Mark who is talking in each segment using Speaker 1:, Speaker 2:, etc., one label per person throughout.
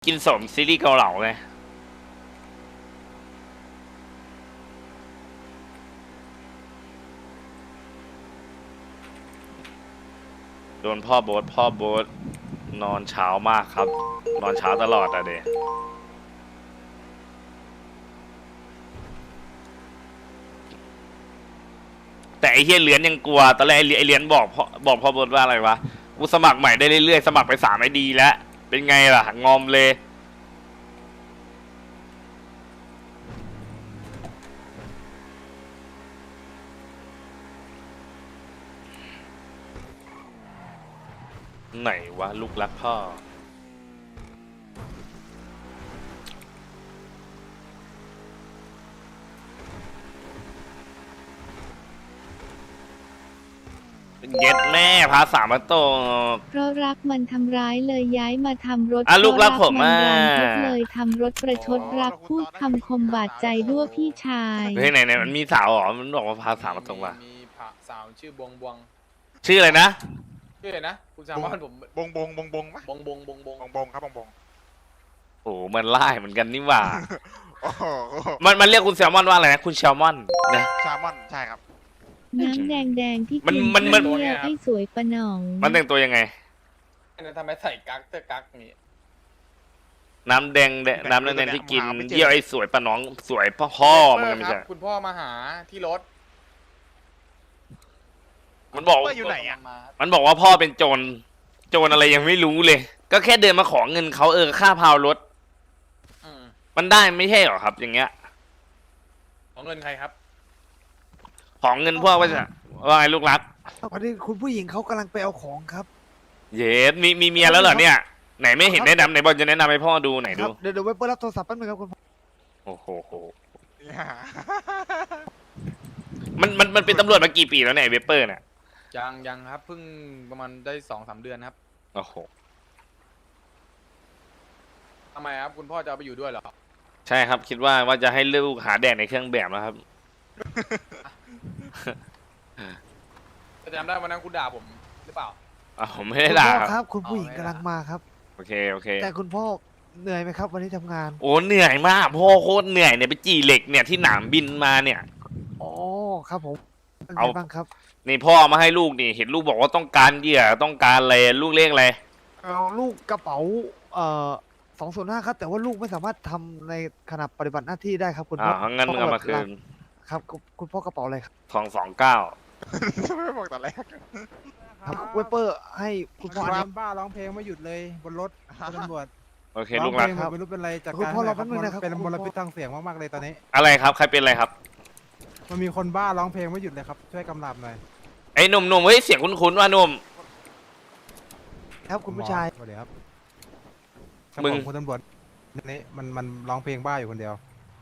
Speaker 1: กินสมซีรีส์เกาเหลาไงโดนพ่อโบ๊ทนอนเช้ามากครับนอนเช้าตลอดอะเดแต่ไอ้เฮียเหรียญยังกลัวตอนแรกไอ้เหรียญบอกพ่อโบ๊ทว่าอะไรวะกูสมัครใหม่ได้เรื่อยๆสมัครไป3 IDแล้วเป็นไงล่ะงอมเลยไหนวะลูกรักพ่อเย็ดแม่พา3 มาตก
Speaker 2: เพราะรักมันทำร้ายเลยย้ายมาทำรถ
Speaker 1: ลูกรักผม
Speaker 2: มันรันทดเลยทำรถประชดรักพูดคำคมบาดใจด้วยพี่ชาย
Speaker 1: เฮ้ยไหนมันมีสาวหรอมันบอกว่าพา3 มาตกว่ะ
Speaker 3: มีสาวชื่อบวง
Speaker 1: ชื่ออะไรนะ
Speaker 3: ชื่ออะไรนะคุณแซมมอนผม
Speaker 4: บงปะ
Speaker 3: บง
Speaker 4: ครับบง
Speaker 1: โอ้มันไล่เหมือนกันนี่หว่า
Speaker 4: โอ้โห
Speaker 1: มันเรียกคุณแซลมอนว่าอะไรนะคุณแซลมอนนะ
Speaker 4: แซลมอนใช่ครับ
Speaker 2: น้ำแดงที่
Speaker 1: มัน
Speaker 2: เที่ยวให้สวยประหน่อง
Speaker 1: มันแต่งตัวยังไง
Speaker 3: นั่นทำไมใส่กั๊กเตอร์กั๊กนี่
Speaker 1: น้ำแดงที่กินเยี่ยวไอ้สวยปะน้องสวยพ่อมึงไม่ใช่
Speaker 3: คุณพ่อมาหาที่รถ
Speaker 1: มันบอก
Speaker 4: อยู่ไหนอ่ะ
Speaker 1: มันบอกว่าพ่อเป็นโจรอะไรยังไม่รู้เลย ก็แค่เดินมาขอเงินเขาค่าพาวรถมันได้ไม่ใช่หรอครับ อย่างเงี้ย
Speaker 3: ของเงินใครครับ
Speaker 1: ของเงินพวกว่าไงลูกรัก
Speaker 5: พอดีคุณผู้หญิงเขากำลังไปเอาของครับ
Speaker 1: เย็ดมีเมียแล้วเหรอเนี่ยไหนไม่เห็นแนะนำไหนบอกจะแนะนำให้พ่อดูไหน
Speaker 5: ค
Speaker 1: ดู
Speaker 5: รับเดี๋ยวไว้เปิดรับโทรศัพท์แป๊บนึงครับคุณพ่อ
Speaker 1: โอ้โหมันเป็นตำรวจมากี่ปีแล้วเนี่ยเวเปอร์เนี่ย
Speaker 3: ยังครับเพิ่งประมาณได้2-3 เดือนครับ
Speaker 1: โอ้โห
Speaker 3: ทำไมครับคุณพ่อจะเอาไปอยู่ด้วยเหรอ
Speaker 1: ใช่ครับคิดว่าจะให้ลูกหาแดกในเครื่องแบบนะครับ
Speaker 3: จะจำได้วันนั้นคุณด่าผมหรือเปล่า
Speaker 1: ผมไม่ได้ด่า
Speaker 5: คุณพ่อ
Speaker 1: ค
Speaker 5: ครับ รับ คุณผู้หญิงกำลังมาครับ
Speaker 1: โอเค
Speaker 5: แต่คุณพ่อเหนื่อยไหมครับ วันนี้ทำงาน
Speaker 1: โอ้เหนื่อยมากพ่อโคตรเหนื่อยเนี่ยไปจีเหล็กเนี่ยที่หนามบินมาเนี่ย
Speaker 5: อ๋อครับผมเป็นไง
Speaker 1: เอา
Speaker 5: บ้างครับ
Speaker 1: นี่พ่อมาให้ลูกนี่เห็นลูกบอกว่าต้องการเหยื่อต้องการอะไรลูกเรียกอะไร
Speaker 5: เอาลูกกระเป๋า205ครับ แต่ว่าลูกไม่สามารถทำในขณะปฏิบัติหน้าที่ได้ครับ คุณพ่อ
Speaker 1: งั้นมึงเอามาคืน
Speaker 5: ครับคุณพ่อกระเป๋าอะไรครับ
Speaker 1: 229
Speaker 4: ไม่บอกตอนแรก
Speaker 5: ครับเวเปอร์ให้คุณพ่อ
Speaker 6: ค
Speaker 5: อัน
Speaker 6: วา
Speaker 5: นี้
Speaker 6: มบ้าร้องเพลงไม่หยุดเลยบนรถคุณตำรวจ
Speaker 1: โอเค
Speaker 6: ร้
Speaker 1: ลู
Speaker 6: อง
Speaker 1: ก
Speaker 6: เพ
Speaker 1: รั
Speaker 6: ล
Speaker 1: ก
Speaker 6: งไม่รู้เป็นไรจาก
Speaker 5: คุณ
Speaker 6: การ
Speaker 5: พ่อรอ
Speaker 6: ค
Speaker 5: แป๊บนึงนะครับ
Speaker 6: เป็น
Speaker 5: คุณ
Speaker 6: ม
Speaker 5: พ่อ
Speaker 6: ลพิษทางเสียงมากๆเลยตอนนี้
Speaker 1: อะไรครับใครเป็นอะไรครับ
Speaker 6: มันมีคนบ้าร้องเพลงไม่หยุดเลยครับช่วยกำลับหน่อย
Speaker 1: ไอ้หนุ่มเฮ้ยเสียงคุ้นๆว่าหนุ่ม
Speaker 5: ครับคุณผู้ชาย
Speaker 6: สวัสดีครับ
Speaker 1: มึง
Speaker 6: คุณตำรวจนี่มันร้องเพลงบ้าอยู่คนเดียว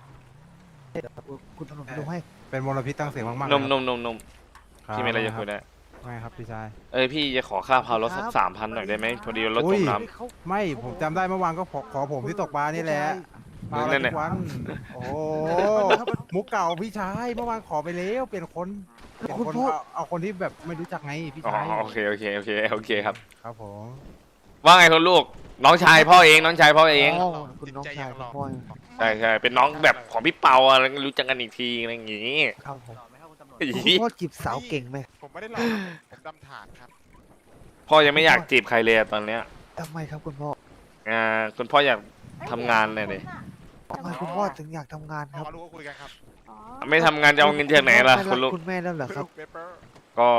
Speaker 5: คุณตำรวจดูให้
Speaker 6: เป็นมลพิษทางเสียงมากๆ
Speaker 1: หนุ่ม
Speaker 6: เลยครับ
Speaker 1: พี่มีอะไรจะคุยได้
Speaker 6: ไม่ครับพี่ชาย
Speaker 1: พี่จะขอค่าพาวรถสัก3,000หน่อยได้ไหมพอดีรถจมน้ำ
Speaker 5: เขา
Speaker 6: ไม่ผมจำได้เมื่อวานก็ขอผมที่ตกปลานี่แหละปลา
Speaker 1: นั่นแห
Speaker 6: ทุ
Speaker 1: ละ
Speaker 6: กวันโอ้โหมุกเก่าพี่ชายเมื่อวานขอไปแล้วเปลี่ยนคนเอาคนที่แบบไม่รู้จักไงพี่
Speaker 1: อ๋อ
Speaker 6: ชาย
Speaker 1: โอเคครับ
Speaker 6: ครับผม
Speaker 1: ว่าไงคุณลูกน้องชายพ่อเองน้องชายพ่อเอง
Speaker 5: อ๋อคุณน้องชายคุณพ่อ
Speaker 1: ใช่เป็นน้องแบบของพี่เปาอะไรรู้จักกันอีกทีอะไรอย่างงี้
Speaker 5: ครับผม
Speaker 1: อี
Speaker 5: คุณพ่อจีบสาวเก่งไหม
Speaker 4: ผมไม่ได้หลอกผมดำถาดครับ
Speaker 1: พ่อยังไม่อยากจีบใครเลยอะตอนเนี้ย
Speaker 5: ทำไมครับคุณพ่อ
Speaker 1: คุณพ่ออยากทำงานเลยดิ
Speaker 5: ทำไมคุณพ่อถึงอยากทำงานครับ
Speaker 4: มารู้ก็คุยกันครับ
Speaker 1: ไม่ทำงานจะเอาเงินจากไหนล่ะคุณลูก
Speaker 5: คุณแม่แล้วเหรอครับ
Speaker 4: เปเปอร์
Speaker 1: ก็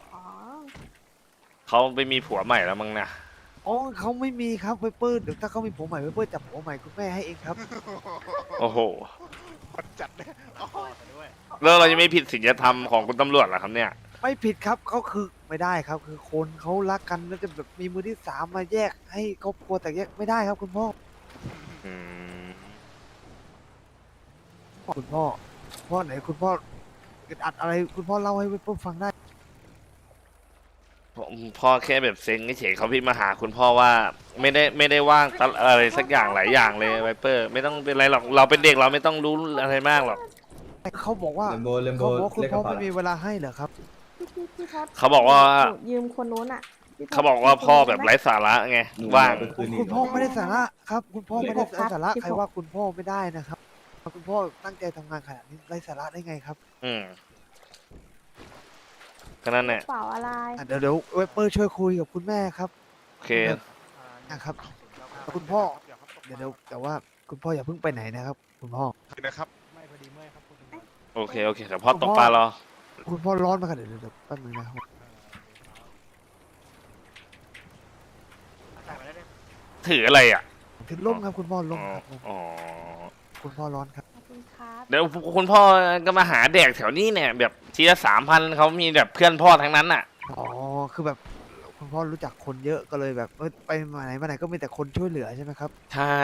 Speaker 1: เขาไปมีผัวใหม่แล้วมั้งนะ
Speaker 5: อ๋อเขาไม่มีครับเวเปอร์เดี๋ยวถ้าเขามีผัวใหม่เวเปอร์จับผัวใหม่คุณแม่ให้เองครับ
Speaker 1: โอ้โห
Speaker 4: คนจัดเลยอ๋อ
Speaker 1: แล้วเราจะไม่ผิดศีลธรรมของคุณตำรวจเหรอครับเนี่ย
Speaker 5: ไม่ผิดครับเขาคือไม่ได้ครับ คือคนเขารักกันแล้วจะแบบมีมือที่สามมาแยกให้ครอบครัวแต่แยกไม่ได้ครับคุณพ่อ
Speaker 1: อืม
Speaker 5: คุณพ่อไหนคุณพ่ออึดอัดอะไรคุณพ่อเล่าให้เวเปอร์ฟังได้
Speaker 1: พ่อแค่แบบเซ็งเฉยๆเขาพี่มาหาคุณพ่อว่าไม่ได้ว่างอะไรสักอย่างหลายอย่างเลยไวเปอร์ไม่ต้องเป็นไรหรอกเราเป็นเด็กเราไม่ต้องรู้อะไรมากหรอก
Speaker 5: เขาบอกว่า
Speaker 7: เลมโบ
Speaker 5: เขาบอกว่าคุณ
Speaker 7: เรียกก
Speaker 5: พ่อ
Speaker 7: ระเป๋า
Speaker 5: ไม่มีเวลาให้เหรอครับ
Speaker 8: พี่ท็อป
Speaker 1: เขาบอกว่า
Speaker 8: ยืมคนนู้นอ่ะ
Speaker 1: เขาบอกว่าพ่อแบบไร้สาระไงว่าง
Speaker 5: คุณพ่อไม่ได้สาระครับ คุณพ่อไม่ได้สาระใครว่าคุณพ่อไม่ได้นะครับคุณพ่อตั้งใจทำงานขนาดนี้ไร้สาระได้ไงครับ
Speaker 1: อืมก็นั่นแหละ
Speaker 7: เปล่าอะไร
Speaker 5: เดี๋ยวเวเปอร์ช่วยคุยกับคุณแม่ครับ
Speaker 1: โอเค
Speaker 5: นะครับ คุณพ่อ เดี๋ยวแต่ว่าคุณพ่ออย่าเพิ่งไปไหนนะครับ คุณพ่อ
Speaker 4: นะครับ
Speaker 1: โอเคโอเคเดี๋ยวพ่อตกปลารอ
Speaker 5: คุณพ่อร้อนมากครับเดี๋ยวแป๊บนึงนะครับ
Speaker 1: ถืออะไรอ่ะ
Speaker 5: ถึงร่มครับคุณพ่อ
Speaker 1: อ๋
Speaker 5: ร่
Speaker 1: อ
Speaker 5: มครับ
Speaker 1: อ๋อ
Speaker 5: คุณพ่อร้อนครับ
Speaker 7: ขอบคุณครับ
Speaker 1: เดี๋ยวคุณพ่อก็มาหาแดกแถวนี้เนี่ย แบบทีละ3,000เขามีแบบเพื่อนพ่อทั้งนั้นอ่ะ
Speaker 5: อ๋อคือแบบคุณพ่อรู้จักคนเยอะก็เลยแบบไปมาไหนก็มีแต่คนช่วยเหลือใช่ไหมครับ
Speaker 1: ใช่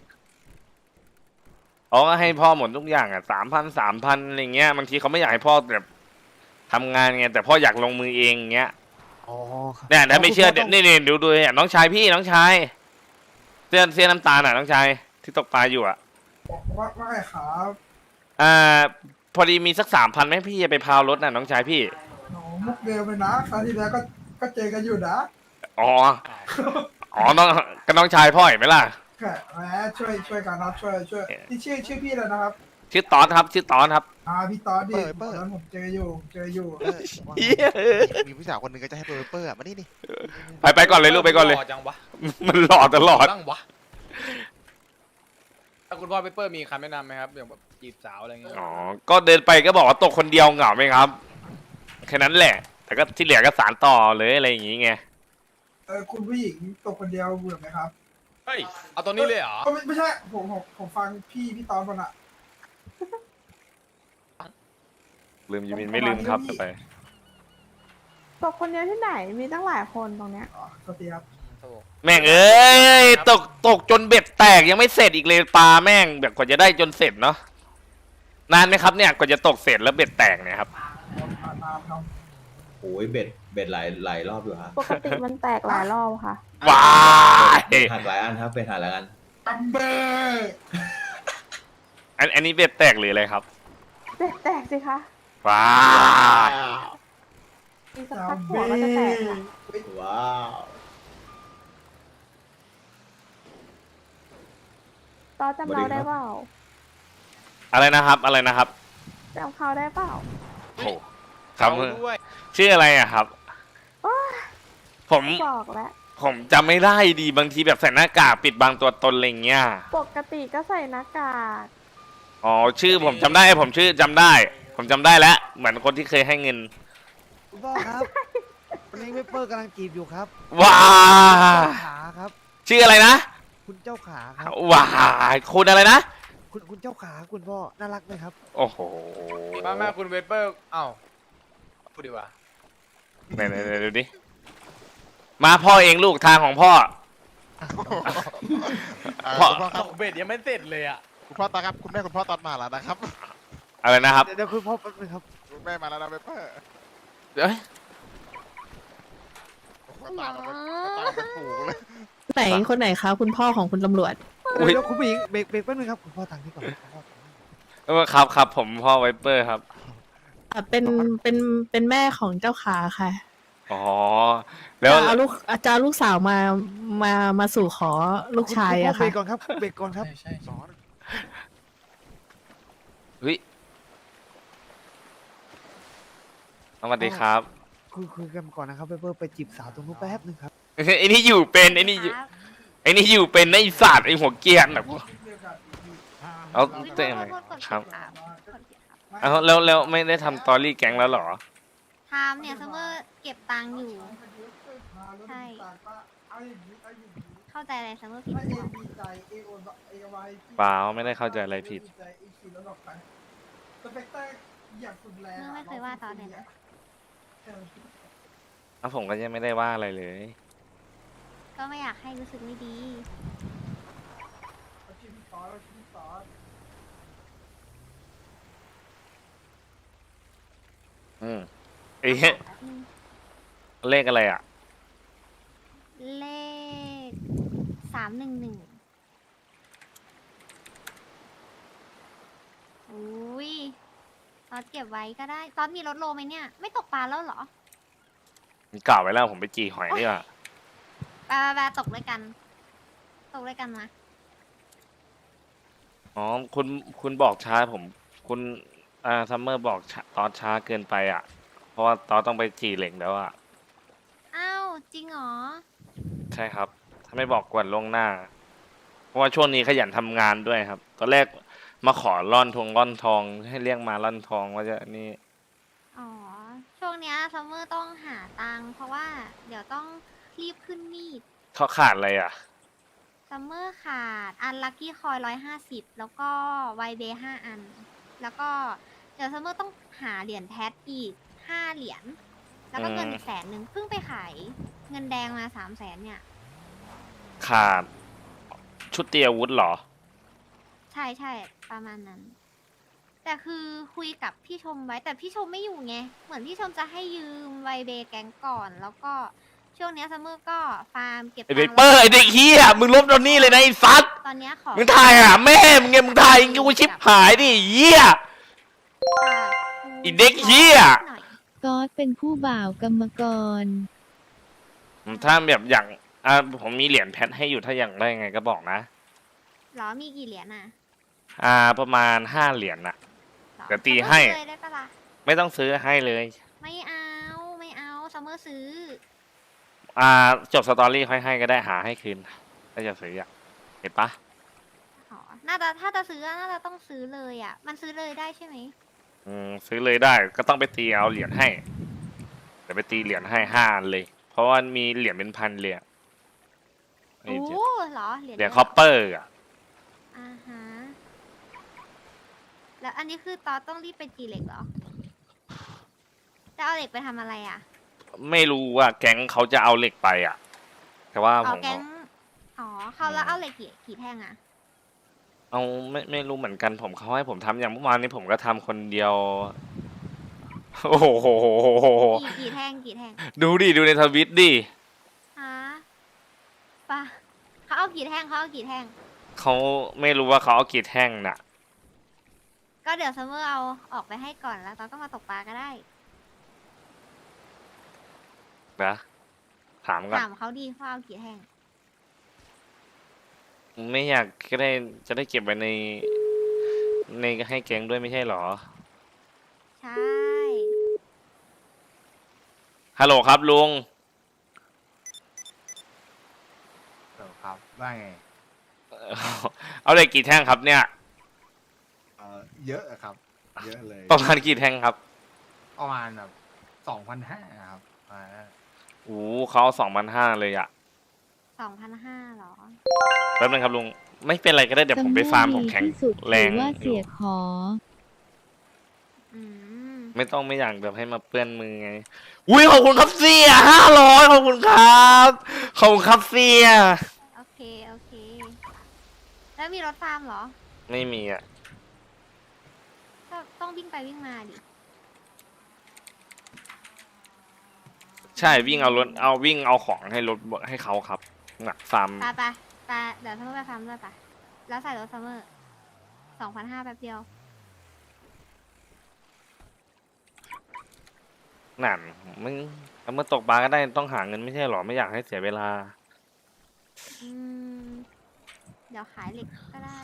Speaker 1: อ๋อก็ให้พ่อหมดทุกอย่างอ่ะ3,000อะไรเงี้ยบางทีเขาไม่อยากให้พ่อแบบทำงานไงแต่พ่ออยากลงมือเองเงี้ย
Speaker 5: อ๋อครับ
Speaker 1: เนี่ยถ้าไม่เชื่อ
Speaker 5: คุณพ่
Speaker 1: นี่ดูเนี่ยน้องชายพี่น้องชายเสื้อน้ำตาลอ่ะน้องชายที่ตกปลาอยู่อ่ะ
Speaker 8: ว่าไงครับ
Speaker 1: พอดีมีสัก3,000ไหมพี่จะไปพาวรถน่ะน้องชายพี่
Speaker 8: หนูมุกเดิมเลยนะครั้งที่แล้วก็เจอกันอยู่นะ
Speaker 1: อ๋อน้องก็น้องชายพ่อเห็นไหมล่ะ
Speaker 8: แค่แหมช่วยกันนะช่วยที่ชื่อพี่เลยนะครับ
Speaker 1: ชื่อตอนครับชื่อตอนครับ
Speaker 8: พี่ต๊อดดิ
Speaker 4: เปิด
Speaker 8: ตอนนั้นผมเจออยู่
Speaker 4: มีผู้สาวคนหนึ่งก็จะให้เปอร์อะมานี่นี่
Speaker 1: ไปก่อนเลยลูกไปก่อนเลย
Speaker 3: หจังวะ
Speaker 1: มันหล่อตลอด
Speaker 3: ตั้งวะถ้าคุณพ่อเปเปอร์มีคำแนะนำไหมครับอย่างแบบจีบสาวอะไรเงี้ย
Speaker 1: อ๋อก็เดินไปก็บอกว่าตกคนเดียวเหงาไหมครับแค่นั้นแหละ แต่ก็ที่เหลือก็สานต่อเลยอะไรอย่างงี้ไง
Speaker 8: คุณผู้หญิงตกคนเดียวเบื่อไหมครับ
Speaker 3: เฮ้ยเอาตัวนี้เลยเหรอ
Speaker 8: ไม่ใช่ผมฟังพี่ตอนคนอะ
Speaker 1: ลืมยูมินไม่ลืมครับไป
Speaker 7: ตกคนเดียวที่ไหน มีตั้งหลายคนตรงเนี้ย
Speaker 8: สวัสดีครับ
Speaker 1: แม่งเอ้ยตกจนเบ็ดแตกยังไม่เสร็จอีกเลยปลาแม่งแบบกว่าจะได้จนเสร็จเนาะนานไหมครับเนี่ยกว่าจะตกเสร็จแล้วเบ็ดแตกเนี่ยครับ
Speaker 8: ตามครับ
Speaker 9: โอ้ยเบ็ดหลายรอบอยู่ฮะ
Speaker 7: ปกติมันแตกหลายรอบค่ะ
Speaker 1: ว้าย
Speaker 9: หักหลายอันครับเป็นหักหลายอัน
Speaker 8: ตัมเบ้
Speaker 1: อันนี้เบ็ดแตกหรืออะไรครับ
Speaker 7: เบ็ดแตกสิคะ
Speaker 1: ว้าย
Speaker 7: มีสัก
Speaker 8: ตั
Speaker 7: พั
Speaker 8: ม
Speaker 7: กหัว
Speaker 8: เบ้
Speaker 7: ก็จะแตกค่ะ
Speaker 9: ว้าว
Speaker 7: ตอนจำเราได้เปล่า
Speaker 1: อะไรนะครับอะไรนะครับ
Speaker 7: จำเขาได้เปล่า
Speaker 1: โอ้ครับ
Speaker 3: เอาด้วย
Speaker 1: ชื่ออะไรอะครับ
Speaker 7: โอ๊ย
Speaker 1: ผม
Speaker 7: บอกแล้ว
Speaker 1: ผมจำไม่ได้ดีบางทีแบบใส่หน้ากากปิดบังตัวตนอะไรเงี้ย
Speaker 7: ปกติก็ใส่หน้ากาก
Speaker 1: อ๋อชื่อผมจำได้ผมชื่อจำได้ ผมจำได้แล้วเหมือนคนที่เคยให้เงิน
Speaker 5: คุณพ่อครับวันนี้เวเปอร์กำลังจีบอยู่ครับ
Speaker 1: ว้า
Speaker 5: เจ้าขาครับ
Speaker 1: ชื่ออะไรนะ
Speaker 5: คุณเจ้าขาครับ
Speaker 1: ว้าคุณอะไรนะ
Speaker 5: คุณเจ้าขาคุณพ่อน่ารักไหมครับ
Speaker 1: โอ้โห
Speaker 3: แม่คุณเปเปอร์เอ้าพูดดีกว่า
Speaker 1: ไหนดูดิมาพ่อเองลูกทางของพ่อ พ่อ
Speaker 4: คุณพ่อค
Speaker 3: ต
Speaker 4: รับ
Speaker 3: กเบ็ดยังไม่เสร็จเลยอ่ะ
Speaker 4: คุณพ่อตอนครับคุณแม่คุณพ่อตอนมาแล้วนะครับ
Speaker 1: อะไรนะครับ
Speaker 5: เดี๋ยวคุณพ่อแป๊บนึงครับ
Speaker 4: คุณแม่มาแล้วนะเปอร์
Speaker 1: เอ้ย
Speaker 4: ตามมาเป็นฝูงเลย
Speaker 10: ไหนคนไหนคะคุณพ่อของคุณตำรวจ
Speaker 1: อุ๊ย
Speaker 5: เดี๋ยวคุณผู้หญิงเบรกแป๊บนึงครับคุณพ่อทางนี้ก่อนคุณพ่อ
Speaker 1: ครับผมพ่อไวเปอร์ครับ
Speaker 10: เป็นแม่ของเจ้าขาค่ะ
Speaker 1: อ๋อแล้ว
Speaker 10: จะเอาลูกสาวมาสู่ขอลูกชายอะ
Speaker 5: เบร
Speaker 10: ค่ะ
Speaker 5: กก่อนครับเบรกก่อนครับ
Speaker 4: สอน
Speaker 1: วิสวัสดีครับ
Speaker 5: คุยกันก่อนนะครับเวเปอร์ไปจีบสาวตรงนู้นแป๊บนึงครับ
Speaker 1: ไอ้นี่อยู่เป็นไอ้นี่อยู่เป็นไอ้สัตว์ไอ้หัวเกรียนแบบเอาเต้นไหมครับเอาแล้วไม่ได้ทำตอรี่แก๊งแล้วเหรอ
Speaker 11: ทำเนี่ยซัมเมอร์เก็บตังค์อยู่ ใช่ เข้าใจอะไรซัมเมอร์ผิดหรือเปล่า
Speaker 1: เปล่าไม่ได้เข้าใจอะไรผิด
Speaker 11: ไม่เคยว่าตอนเลยนะ
Speaker 1: แล้วผมก็ยังไม่ได้ว่าอะไรเลย
Speaker 11: ก็ไม่อยากให้รู้สึกไม่ดี
Speaker 1: เอ๊ะเลขอะไรอ่ะ
Speaker 11: เลข311อุ้ยตอนเก็บไว้ก็ได้ ตอนมีรถโลไหมเนี่ย ไม่ตกปลาแล้วเหรอ
Speaker 1: กล่าวไว้แล้วผมไปจีหอยนี่ว่ะ
Speaker 11: ไปตกด้วยกัน ตกด้วยกันมา
Speaker 1: อ๋อคุณบอกช้าผมคุณซัมเมอร์บอกตอนช้าเกินไปอ่ะ เพราะว่าตอนต้องไปจีเหล็กแล้วอ่ะ
Speaker 11: อ้าวจริงเหรอ
Speaker 1: ใช่ครับ ถ้าไม่บอกก่อนล่วงหน้า เพราะว่าช่วงนี้ขยันทำงานด้วยครับ ตอนแรกมาขอร่อนทองให้เรียกมาร่อนทองว่าจะนี่
Speaker 11: อ๋อ ช่วงเนี้ยซัมเมอร์ต้องหาตังค์เพราะว่าเดี๋ยวต้องรีบขึ้นมีด
Speaker 1: เขาขาดอะไรอ่ะ
Speaker 11: ซัมเมอร์ขาดอันลัคกี้คอย150 แล้วก็ไวเบย์5 อัน แล้วก็เดี๋ยวซัมเมอร์ต้องหาเหรียญแพทอีก5 เหรียญ แล้วก็เงินอีก100,000เพิ่งไปขายเงินแดงมา300,000เนี่ย
Speaker 1: ขาดชุดเตรียมอาวุธเหรอ
Speaker 11: ใช่ประมาณนั้น แต่คือคุยกับพี่ชมไว้แต่พี่ชมไม่อยู่ไง เหมือนพี่ชมจะให้ยืมไวเบย์แก๊งก่อน แล้วก็ช่วงเนี้ยซัมเมอร์ก็ฟาร์มเก็บ
Speaker 1: ไอเบ
Speaker 11: ตังค์
Speaker 1: เปอร์ไอเด็กเฮียมึงลบตอนนี้เลยนะไอ้ซัด
Speaker 11: ตอนเนี้ยขอ
Speaker 1: มึงถ่ายหาแม่มึงไงมึงถ่ายกูชิบหายดิเฮีย อีเด็กเหี้ย
Speaker 11: หน่อย
Speaker 2: ก๊อตเป็นผู้บ่าวกรรมกร
Speaker 1: ถ้าแบบอย่างผมมีเหรียญแพทให้อยู่ถ้าอย่างได้ไงก็บอกนะ
Speaker 11: หรอมีกี่เหรียญอ่ะ
Speaker 1: ประมาณ5 เหรียญน่ะ
Speaker 11: หรอ
Speaker 1: เดี๋ยวตีให้
Speaker 11: ซัมเมอร์ซื้อเลยได้ปะล่ะ
Speaker 1: ไม่ต้องซื้อให้เลย
Speaker 11: ไม่เอาซัมเมอร์ซื้อ
Speaker 1: จบสตอรี่ค่อยให้ก็ได้หาให้คืนถ้าจะซื้ออ่ะเห็นปะ
Speaker 11: อ๋อน่าจะถ้าจะซื้อน่าจะต้องซื้อเลยอ่ะ มันซื้อเลยได้ใช่ไหม
Speaker 1: ซื้อเลยได้ก็ต้องไปตีเอาเหรียญให้เดี๋ยวไปตีเหรียญให้5 อันเลย เพราะว่ามีเหรียญเป็นพันเลยอะ
Speaker 11: โอ้เหรอเหรียญ
Speaker 1: เหรียญ
Speaker 11: เยะ
Speaker 1: คอปเปอร์อ่ะ
Speaker 11: อ่าฮะ แล้วอันนี้คือตอนต้องรีบไปจีเหล็กเหรอ จะเอาเหล็กไปทำอะไรอ่ะ
Speaker 1: ไม่รู้ว่าแก๊งเขาจะเอาเหล็กไปอ่ะ แต่ว่า
Speaker 11: อ๋
Speaker 1: ผ
Speaker 11: อ
Speaker 1: ม
Speaker 11: แก๊งอ๋อเขาแล้วเอาเหล็กกี่แท่งอ่ะ
Speaker 1: เอาไม่รู้เหมือนกันผมเขาให้ผมทำอย่างเมื่อวานนี้ผมก็ทำคนเดียว โอ้โห
Speaker 11: กี่แท่ง
Speaker 1: ดูในทวิตดิ
Speaker 11: ฮะปะเขาเอากี่แท่ง
Speaker 1: เขาไม่รู้ว่าเขาเอากี่แท่งน่ะ
Speaker 11: ก็เดี๋ยวซัมเมอร์เอาออกไปให้ก่อนแล้วตอนก็มาตกปลาก็ได้
Speaker 1: นะถามก่อน
Speaker 11: ถามเขาดีว่าเอากี่แท่ง
Speaker 1: ไม่อยากก็ได้จะได้เก็บไว้ในให้แก๊งด้วยไม่ใช่หรอ
Speaker 11: ใช่
Speaker 1: ฮัลโหลครับลุง
Speaker 6: ครับว่าไง
Speaker 1: เอาเหล็กกี่แท่งครับเนี่ย
Speaker 6: เยอะครับ เยอะเลย
Speaker 1: ประมาณกี่แท่งครับ
Speaker 6: ประมาณแบบ2,500ครับ
Speaker 1: โอ้เขา2,500เลยอ่ะ
Speaker 11: 2,500หรอ
Speaker 1: แป๊บนึงครับลุงไม่เป็นไรก็ได้เดี๋ยวผมไปฟาร์มผมแข็ง
Speaker 2: ที่สุด
Speaker 1: แรง
Speaker 2: ถือว่า
Speaker 1: อ
Speaker 2: เสี
Speaker 1: ยู่
Speaker 2: ยขอ
Speaker 11: อืม
Speaker 1: ไม่อยากแบบให้มาเปื้อนมือไงอุ้ยขอบคุณครับเสีย500ขอบคุณครับขอบคุณครับเสีย
Speaker 11: โอเค แล้วมีรถฟาร์มเหรอ
Speaker 1: ไม่มีอ่ะ
Speaker 11: ก็ต้องวิ่งไปวิ่งมาดิ
Speaker 1: ใช่วิ่งเอารถวิ่งเอาของให้รถให้เขาครับหนักฟาร์ม
Speaker 11: ไปเดี๋ยวซัมเมอร์ไปฟาร์มด้วยปะแล้วใส่รถซัมเมอร์ 2,500แป๊บเดียว
Speaker 1: นั่นมึงเอามื่อตกปลาก็ได้ต้องหาเงินไม่ใช่หรอไม่อยากให้เสียเวลา
Speaker 11: อืม เดี๋ยวขายเหล็กก็ได้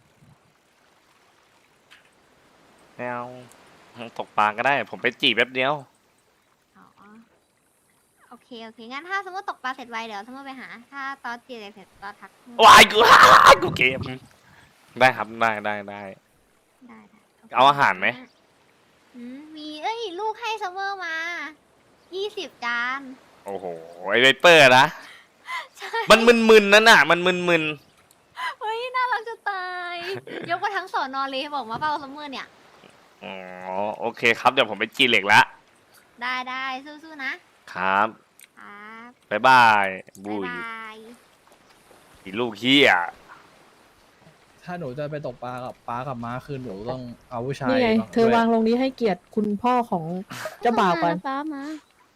Speaker 1: ไม่เอาตกปลาก็ได้ ผมไปจีบแป๊บเดียว
Speaker 11: อ๋อ โอเค งั้นถ้าสมมติตกปลาเสร็จไวเดี๋ยวสมมติไปหา ถ้าตอนจีเหล็กเสร็จก็ทัก
Speaker 1: วายกูเกมได้ครับได้
Speaker 11: ได้
Speaker 1: เอาอาหารไหม
Speaker 11: มีลูกให้ซัมเมอร์มา 20 จาน
Speaker 1: โอ้โหไอไวเปอร์นะ
Speaker 11: ใช่
Speaker 1: มันมึนๆนั่นน่ะ มันมึน
Speaker 11: เฮ้ย น่ารักจะตาย ยกมาทั้งสอนอเลยบอกมาเปล่าซัมเมอร์เนี่ย
Speaker 1: ๆอ๋อโอเคครับเดี๋ยวผมไปจีเหล็กละ
Speaker 11: ได้สู้ๆนะ
Speaker 1: ครับ
Speaker 11: ครับ
Speaker 1: บ๊ายบายบุ
Speaker 11: บ๊าย
Speaker 1: ย
Speaker 11: บาย
Speaker 1: อีลูกเฮีย
Speaker 3: ถ้าหนูจะไปตกปลากับม้าคือหนูต้องเอาผู้ชาย
Speaker 10: นี่ไง เธอวางลงนี้ให้เกียรติคุณพ่อของเจ้าบ่าวก่อน
Speaker 2: ฟ้ามา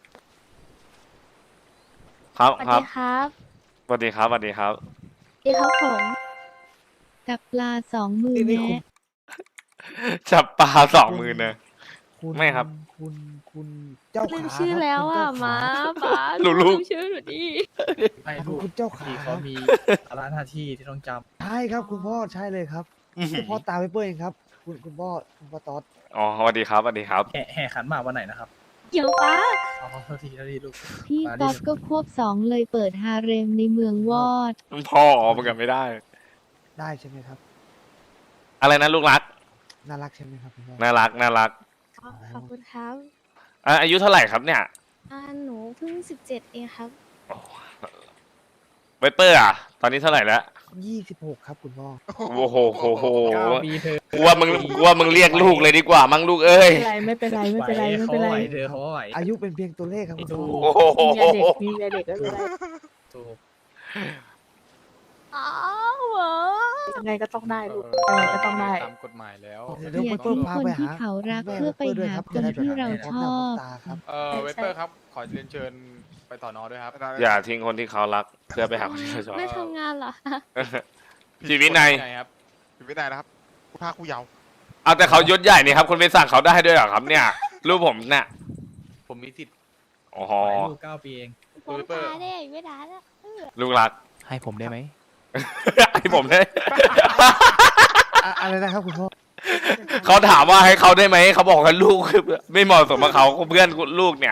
Speaker 1: ครับ
Speaker 2: สวัส
Speaker 1: ครับ
Speaker 2: ดีครับ
Speaker 1: สวัสดีครับสวัสดีครับ
Speaker 2: ที่เขาผมกับปลา2 มือ
Speaker 6: นี่
Speaker 2: แนะ
Speaker 1: จับปลา2 มือนะ
Speaker 5: คุณ
Speaker 1: ไม่ครับ
Speaker 5: คุณเจ้า
Speaker 10: ลื
Speaker 5: ขาม
Speaker 10: ชื่อ
Speaker 5: ครับ
Speaker 10: แล้ว
Speaker 5: คุณ
Speaker 10: อ่ะ
Speaker 5: เจ้า
Speaker 10: ม้า
Speaker 5: ขา
Speaker 10: ป้า
Speaker 1: ลูก
Speaker 10: ลืมชื่อหนูดิ
Speaker 3: ไม่
Speaker 5: ขอบ
Speaker 3: ลูก
Speaker 5: คุณเจ้าขา
Speaker 3: ที่เขามีภาระหน้าที่ที่ต้องจ
Speaker 5: ใช่ครับคุณพ่อใช่เลยครับคุณพ่อตาไวเปอร์เองครับ คุณพ่อตอด
Speaker 1: อ๋อสวัสดีครับสวัสดีครับ
Speaker 3: ำแห่ขันหมากวันไหนนะครับ
Speaker 10: เดี๋ยวป้า
Speaker 3: อ๋อโทษทีลูก
Speaker 2: พี่
Speaker 3: มาดิ
Speaker 2: ก๊อฟก็ควบ2เลยเปิดฮาเร็มในเมืองวอด
Speaker 1: พ่อมันกันไม่ได้
Speaker 5: ได้ใช่ไหมครับ
Speaker 1: อะไรนะลูกรัก
Speaker 5: น่ารักใช่ไหมครับคุณพ่อ
Speaker 1: น่ารักน่ารัก
Speaker 10: ขอบคุณครับ
Speaker 1: อายุเท่าไหร่ครับเนี่ย
Speaker 10: หนูเพิ่ง17เองครับ
Speaker 1: ไวเปอร์อ่ะ ตอนนี้เท่าไหร่แล้ว
Speaker 5: 26 ครับคุณพ่อ
Speaker 1: โอ้โหโหโห
Speaker 3: 9 ปีเธอ
Speaker 1: กูว่ามึงเรียกลูกเลยดีกว่ามั้งลูกเอ้ย
Speaker 10: ไม่เป็นไรไม่เป็นไรไม่เป็นไร
Speaker 3: เขาไหว
Speaker 10: ไม่เป็นไร
Speaker 3: เธอเขาไหว
Speaker 5: อายุเป็นเพียงตัวเลขครับคุณพ่อ
Speaker 1: โอ้โห
Speaker 10: มีเมียเด็กมีเมียเด็กก็เป็นไร
Speaker 3: ถูก
Speaker 10: อ้าวเหรอยังไงก็ต้องได้ลูกยังไงก็ต้องได้
Speaker 6: ตามกฎหมายแล้ว
Speaker 5: เดี๋ยว
Speaker 2: อย่า
Speaker 5: ไวเปอ
Speaker 2: ทิ้
Speaker 5: ร์
Speaker 2: ง
Speaker 5: พา
Speaker 2: คน
Speaker 5: ไป
Speaker 2: ที่
Speaker 5: หา
Speaker 2: เขารัก
Speaker 5: แม่
Speaker 2: เพื่อไป
Speaker 5: ว
Speaker 2: หา
Speaker 5: รับ
Speaker 2: คนที่เราชอบ
Speaker 5: ตาครับ
Speaker 6: เวเปอร์ครับ ขอเรียนเชิญไปต่อนอด้วยครับ
Speaker 1: อย่าทิ้งคนที่เขารักเพื่อไปหาคนที่เขาชอบ
Speaker 10: ไม่ทำงานเหรอคะ
Speaker 1: ชีวิตใน
Speaker 6: ครับ
Speaker 4: ผิดวินัยนะครับผู้พาผู้เยาว์
Speaker 1: เอาแต่เขายศใหญ่นี่ครับคุณไปสั่งเขาได้ด้วยเหรอครับเนี่ยลูกผมเนี่ย
Speaker 6: ผมมีสิทธิ์
Speaker 1: อ๋อ
Speaker 3: ลูก9 ปีเอง
Speaker 10: ผมพาได้ไม่ได้แล้ว
Speaker 1: ลูกรัก
Speaker 6: ให้ผมได้ไหม
Speaker 1: ให้ผมได้
Speaker 5: อะไรนะครับคุณพ่อ
Speaker 1: เขาถามว่าให้เขาได้ไหมเขาบอกว่าลูกคือไม่เหมาะสมกับเขาเพื่อนลูกเนี่ย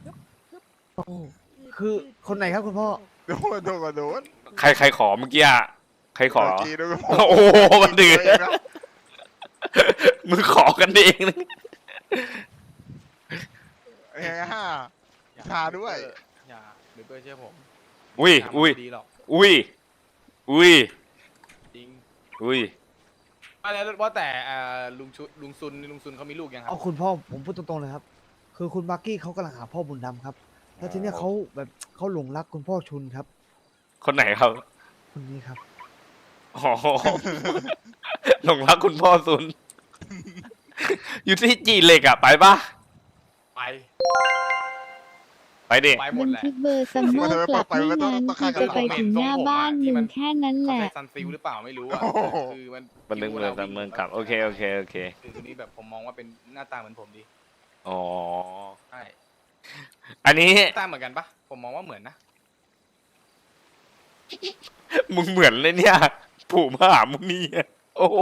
Speaker 5: คือคนไหนครับคุณพ่อ
Speaker 4: โดนโดนก็โดน
Speaker 1: ใครขอเมื่อกี้อะใครขอ
Speaker 4: เมื่กี้ด้วย
Speaker 1: โอ้โหมันเดือดมึงขอกันเองนะ
Speaker 4: เฮ้ยฮ่าชาด้วย
Speaker 6: อย่าเวเปอร์เชื่อผม
Speaker 1: อุ้ย
Speaker 6: ทำ
Speaker 1: อุ้ย
Speaker 6: ไม่ดีหรอก
Speaker 1: อุ้ยอุ้ย
Speaker 6: จริง
Speaker 1: อุ้ย
Speaker 6: แล้วว่าแต่ลุงซุนเขามีลูกยังครั
Speaker 5: เอาคุณพ่อผมพูดตรงๆเลยครับ คือคุณบักกี้เขากำลังหาพ่อบุญธรรมครับ แล้วทีเนี้ยเขาแบบเขาหลงรักคุณพ่อชุนครับ
Speaker 1: คนไหนครับ
Speaker 5: คนนี้ครับ
Speaker 1: อ๋อหลงรักคุณพ่อซุน อยู่ที่จีเหล็กอะไปปะ
Speaker 6: ไป
Speaker 1: ไปดิ
Speaker 6: ไปหม
Speaker 2: บั
Speaker 6: ด
Speaker 2: น
Speaker 6: แหละ
Speaker 2: ทึกเบอร์ซัมเมอร์กลับไม่นานคือจะไปถึงหน้าบ้านมึงแค่นั้นแห
Speaker 6: เขา
Speaker 2: ละ
Speaker 6: ใส่ซันซิลหรือเปล่าไม่รู้อ่ะคือมัน
Speaker 1: บันทึกเมืองตามเมืองกลับโอเคโอเคโอเค
Speaker 6: คือคนนี้แบบผมมองว่าเป็นหน้าตาเหมือนผมดี
Speaker 1: อ๋อ
Speaker 6: ใช่
Speaker 1: อันนี้
Speaker 6: หน้าตาเหมือนกันปะผมมองว่าเหมือนนะ
Speaker 1: มึงเหมือนเลยเนี่ย ปู่มหามุนีอะโอ้โห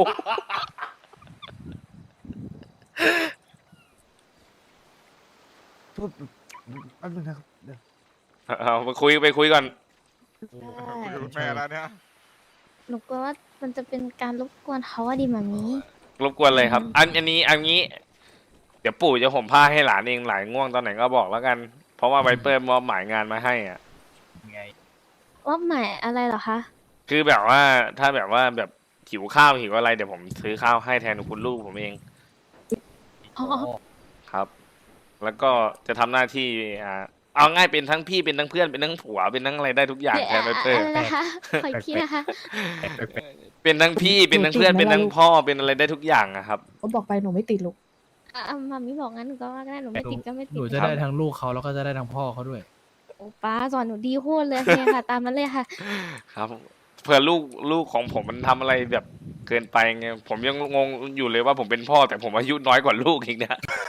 Speaker 5: โทษแป๊บนึงนะครับเดี๋ยว
Speaker 1: เอาไปคุยก่อน
Speaker 4: คุณแม่แล้วเนี่ย
Speaker 10: หนูกลัวว่ามันจะเป็นการรบกวนเขาอะดิมามี
Speaker 1: รบกวนเลยครับ อันนี้ เดี๋ยวปู่จะห่มผ้าให้หลานเองหลานง่วงตอนไหนก็บอกแล้วกัน เพราะว่าไวเปอร์มอบหมายงานมาให้อ่ะ
Speaker 3: ไง
Speaker 10: ว่าหมายอะไรเหรอคะ
Speaker 1: คือแบบว่าถ้าแบบว่าแบบหิวข้าวหิวอะไรเดี๋ยวผมซื้อข้าวให้แทนคุณลูกผมเอง
Speaker 10: อ๋อ
Speaker 1: ครับ แล้วก็จะทำหน้าที่เอาง่ายเป็นทั้งพี่เป็นทั้งเพื่อนเป็นทั้งผัวเป็นทั้งอะไรได้ทุกอย่างแทนไวเปอร์
Speaker 10: อะไรนะคะขออีกทีนะคะ
Speaker 1: เป็นทั้งพี่เป็นทั้งเพื่อนเป็นทั้งพ่อเป็นอะไรได้ทุกอย่างอะครับ
Speaker 10: ก็บอกไปหนูไม่ติดลูกมามีบอกงั้นหนูก็ว่าก็ได้หนูไม่ติดก็ไม่
Speaker 3: ห
Speaker 10: ติด
Speaker 3: นูจะได้ทั้งลูกเขาแล้วก็จะได้ทั้งพ่อเขาด้วย
Speaker 10: โอ้ป้าสอนหนูดีโคตรเลยเนี่ยค่ะ ตามนั้นเลยค่ะ
Speaker 1: ครับเผื่อลูกของผมมันทำอะไรแบบเกินไปไงผมยังงงอยู่เลยว่าผมเป็นพ่อแต่ผมอายุน้อยกว่าลูกอีกเนี่ย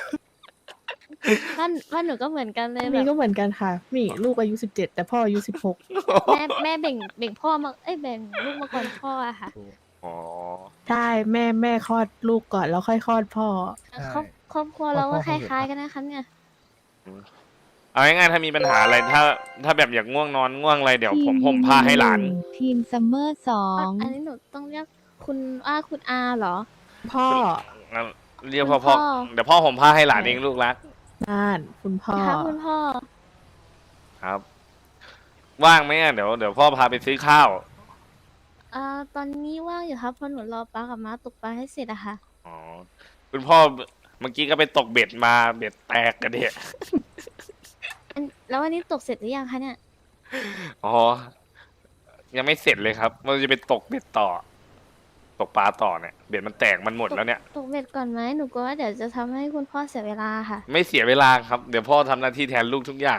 Speaker 10: ว่าหนูก็เหมือนกันเลย
Speaker 12: มี
Speaker 10: แบบ
Speaker 12: ก็เหมือนกันค่ะ มีลูกอายุ17แต่พ่ออายุ16
Speaker 10: แม่แบ่งพ่อมาแบ่งลูกมาก่อนพ่ออะค่ะ
Speaker 1: อ๋อ
Speaker 12: ใช่แม่คลอดลูกก่อนแล้วค่อยคลอดพ่อ
Speaker 10: ครอบครัวเราก็คล้ายๆกันนะคะเนี่ย
Speaker 1: เอาง่ายๆถ้ามีปัญหาอะไรถ้าแบบอยากง่วงนอนง่วงอะไรเดี๋ยวผมห่มผ้าให้หลาน
Speaker 2: ทีมซัมเมอร์2
Speaker 10: อันนี้หนูต้องเรียกคุณคุณอาเหรอ
Speaker 12: พ่อ
Speaker 1: เรียกพ่อเดี๋ยวพ่อห่มผ้าให้หลานเองลูกรัก
Speaker 12: น่านคุณพ่อ
Speaker 10: ค่ะคุณพ่อ
Speaker 1: ครับ ว่างไหมอ่ะเดี๋ยวพ่อพาไปซื้อข้าว
Speaker 10: ตอนนี้ว่างอยู่ครับเพราะหนูรอป้ากับม้าตกปลาให้เสร็จอะค่ะ
Speaker 1: อ๋อคุณพ่อเมื่อกี้ก็ไปตกเบ็ดมาเบ็ดแตกกันเด็
Speaker 10: แล้ววันนี้ตกเสร็จหรือยังคะเนี่ย
Speaker 1: อ๋อยังไม่เสร็จเลยครับเราจะไปตกเบ็ดต่อ ตกปลาต่อเนี่ยเบ็ดมันแตกมันหมดแล้วเนี่ย
Speaker 10: ตกเบ็ดก่อนไหมหนูกลัวว่าเดี๋ยวจะทำให้คุณพ่อเสียเวลาค่ะ
Speaker 1: ไม่เสียเวลาครับเดี๋ยวพ่อทำหน้าที่แทนลูกทุกอย่าง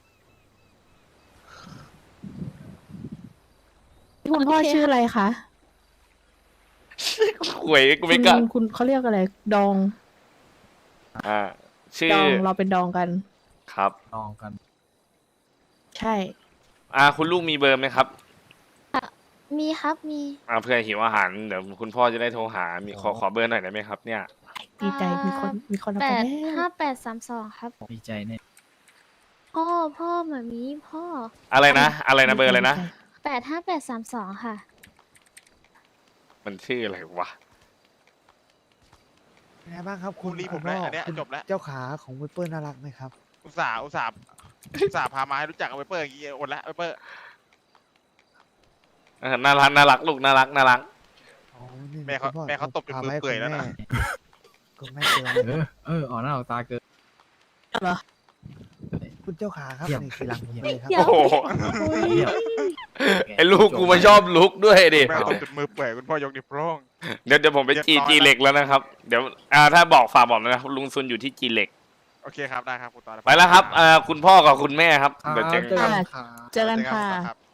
Speaker 12: คุณพ่อชื่ออะไรคะ
Speaker 1: หวยกูไม่กล้า
Speaker 12: คุณเขาเรียกอะไรดอง
Speaker 1: ชื่อ
Speaker 12: ดองเราเป็นดองกัน
Speaker 1: ครับ
Speaker 3: ลองกัน
Speaker 12: ใช่
Speaker 1: คุณลูกมีเบอร์ไหมครับ
Speaker 11: มีครับมี
Speaker 1: เพื่อหิวอาหารเดี๋ยวคุณพ่อจะได้โทรหามีขอเบอร์หน่อยได้ไหมครับ เนี่ย
Speaker 12: ดีใจมีคนเอาไปแล้ว
Speaker 11: 5832ครับ
Speaker 3: ดีใจเนี่ย
Speaker 11: พ่อแบบนี้พ่อ
Speaker 1: อะไรนะเบอร์อะไรนะ
Speaker 11: 85832ค่ะ
Speaker 1: มันชื่ออะไรวะ
Speaker 5: เป็นไงบ้างครับ
Speaker 4: คุณรีผมแล้วอันเนี้ย
Speaker 5: คุณ
Speaker 4: จบแล้ว
Speaker 5: เจ้าขาของเวเปอร์น่ารักไหมครับ
Speaker 4: อุตส่าห์พามาให้รู้จักกับไวเปอร์อย่างงี้อดแล้วไวเปอร์
Speaker 1: น่ารักลูกน่ารัก
Speaker 5: อ๋อนี่
Speaker 4: แม่เขา
Speaker 5: คุณพ่อ
Speaker 4: แม่เขาตบจนมือเปื่อยแล้วนะ
Speaker 5: คุณแม่เตือนเลยนะ
Speaker 3: ออกหน้าออกตาเกิน
Speaker 12: เหรอ
Speaker 5: คุณเจ้าขาครับ
Speaker 3: เยี่ยม
Speaker 5: นี่คือรังผมเลยครับ
Speaker 12: เดี๋ยว
Speaker 1: โอ้โห
Speaker 3: เยี่ยม
Speaker 1: ไอ้ลูกกูมาชอบลุกด้วยดิ
Speaker 4: แม่ตบจนมือเปื่อยคุณพ่อยกนิ้วโป้ง
Speaker 1: เดี๋ยวผมไป
Speaker 4: เรียบร้อย
Speaker 1: จีเหล็กแล้วนะครับ เดี๋ยวถ้าฝากบอกนะครับลุงซุนอยู่ที่จีเหล็ก
Speaker 4: โอเคครับได้ครับคุณตอน
Speaker 1: ไปแล้วครับคุณพ่อกับคุณแม่ครับ
Speaker 3: ครับ
Speaker 1: เดี๋ยวเจอ
Speaker 3: เจอ
Speaker 1: กัน
Speaker 3: กันครับ
Speaker 12: เจอกันค่ะ
Speaker 4: ครับ